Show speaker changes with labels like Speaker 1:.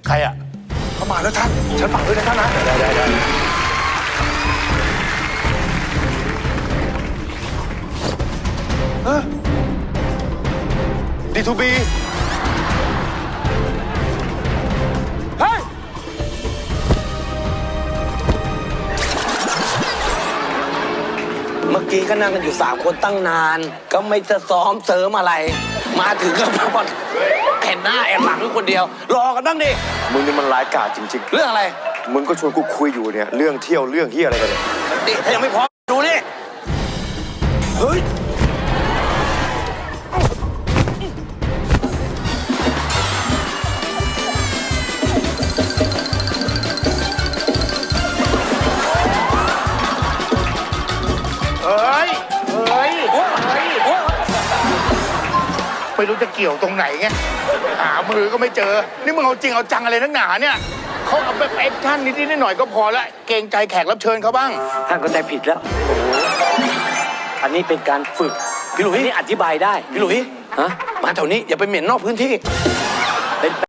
Speaker 1: ใครอ่ะเข้ามาแล้วท่านฉันฝากด้วยนะท่านนะได้ดีทูบีเฮ้ย
Speaker 2: เมื่อกี้ก็นั่งกันอยู่3 คนตั้งนาน ก็ไม่จะซ้อมเสริมอะไร มาถึงก็มาบอลเห็นหน้าแอบหลังอยู่คนเดียว รอกันบ้างดิ
Speaker 3: มึงนี่มันร้ายกาจจริง
Speaker 2: เรื่องอะไร
Speaker 3: ๆ มึงก็ชวนกูคุยอยู่เนี่ยเรื่องเที่ยวเรื่องที่อะไรกันเนี่ย
Speaker 2: ดิถ้ายังไม่พร้อมดูดิเฮ้ย
Speaker 1: ไม่รู้จะเกี่ยวตรงไหนไงหามือก็ไม่เจอนี่มึงเอาจริงเอาจังอะไรนักหนาเนี่ยเขาเอาแบบแอคชั่นนิดๆหน่อยๆก็พอละเกรงใจแขกรับเชิญเขาบ้าง
Speaker 2: ท่านก็ใจผิดแล้วอันนี้เป็นการฝึกพี่หลุยนี่อธิบายได้พี่หลุยฮะมาแถวนี้อย่าไปเหม็นนอกพื้นที่เป็น